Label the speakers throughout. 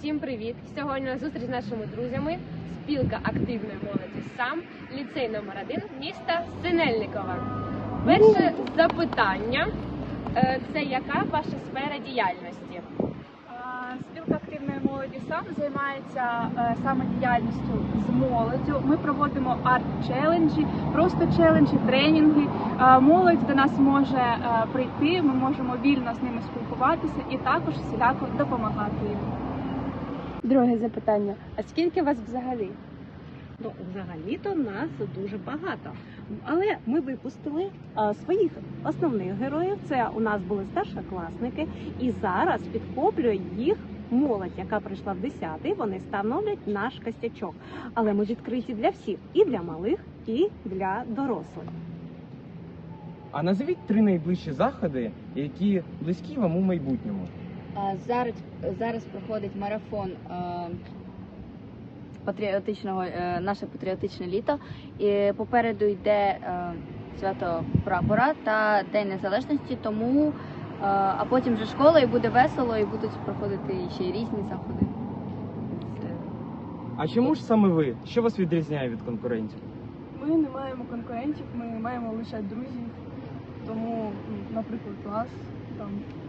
Speaker 1: Всім привіт! Сьогодні на зустріч з нашими друзями спілка активної молоді САМ, ліцей номер 1 міста Синельникова. Перше запитання – це яка ваша сфера діяльності?
Speaker 2: Спілка активної молоді САМ займається саме діяльністю з молоддю. Ми проводимо арт-челенджі, просто челенджі, тренінги. Молодь до нас може прийти, ми можемо вільно з ними спілкуватися і також всіляко допомагати їм.
Speaker 1: Друге запитання – а скільки вас взагалі?
Speaker 3: Ну, взагалі-то нас дуже багато. Але ми випустили своїх основних героїв. Це у нас були старшокласники. І зараз підхоплює їх молодь, яка прийшла в 10-й. Вони становлять наш костячок. Але ми відкриті для всіх. І для малих, і для дорослих.
Speaker 4: А назвіть 3 найближчі заходи, які близькі вам у майбутньому.
Speaker 5: Зараз проходить марафон патріотичного, наше патріотичне літо. І попереду йде свято прапора та День Незалежності, тому а потім вже школа і буде весело, і будуть проходити ще й різні заходи.
Speaker 4: А чому ж саме ви? Що вас відрізняє від конкурентів?
Speaker 2: Ми не маємо конкурентів, ми маємо лише друзів. Тому, наприклад, клас там.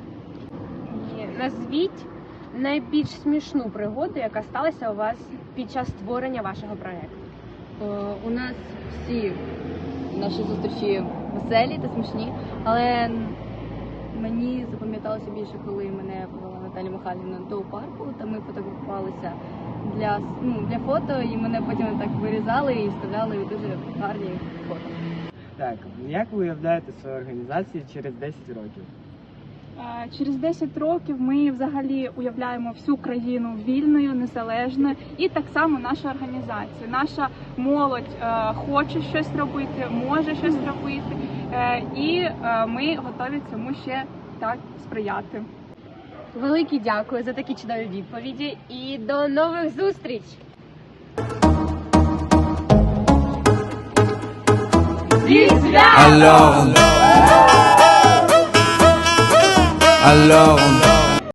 Speaker 1: Назвіть найбільш смішну пригоду, яка сталася у вас під час створення вашого проєкту.
Speaker 5: У нас всі наші зустрічі веселі та смішні, але мені запам'яталося більше, коли мене повела Наталя Михайлівна до парку, та ми фотографувалися для фото, і мене потім так вирізали і вставляли у дуже гарні фото.
Speaker 6: Так, як ви уявляєте свою організацію через 10 років?
Speaker 2: Через 10 років ми взагалі уявляємо всю країну вільною, незалежною, і так само наша організація. Наша молодь хоче щось робити, може щось робити, і ми готові цьому ще так сприяти.
Speaker 1: Велике дякую за такі чудові відповіді і до нових зустріч!
Speaker 7: Alors